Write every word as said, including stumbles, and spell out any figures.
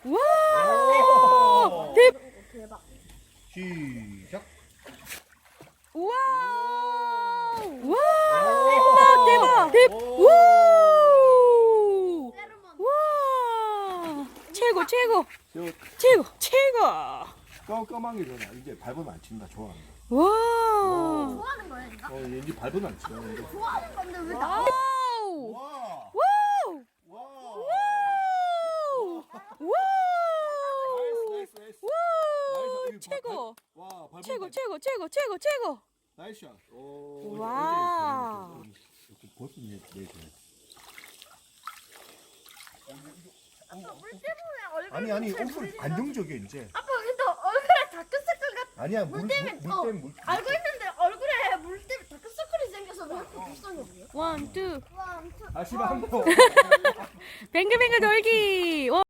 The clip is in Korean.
와! 대박! 대박. 시작. 와! 와! 대박! 대박! 대박! 우! 와! 최고 최고 최고 최고! 깜깜하게 전화. 이제 밟으면 안 친다. 좋아한다. 와! 좋아하는 거야, 얘가? 어, 얘 이제 밟으면 안 친다. 이제. 좋아하는 건데 왜 나? 와우! 와. 와우! 와. 와우! 와우! 나이스 나이스. 와우! 나이스. 최고! 와, 밟으면 최고 안 최고 최고 최고 최고! 나이스 샷. 오. 와. 이렇게 버튼 내 내줘. 물 때문에 얼굴. 아니 아니 얼굴 안정적이야 이제. 아빠 근데 얼굴에 다크서클 같. 아니야 물 물 때문에 물 어, 때문에 물. 알고 있는데 얼굴에 물 때문에 다크서클이 생겨서 왜 이렇게 불쌍해 보여? 원, 투. 와, 엄청. 아 씨발 한 번. 뱅글뱅글 돌기! 와.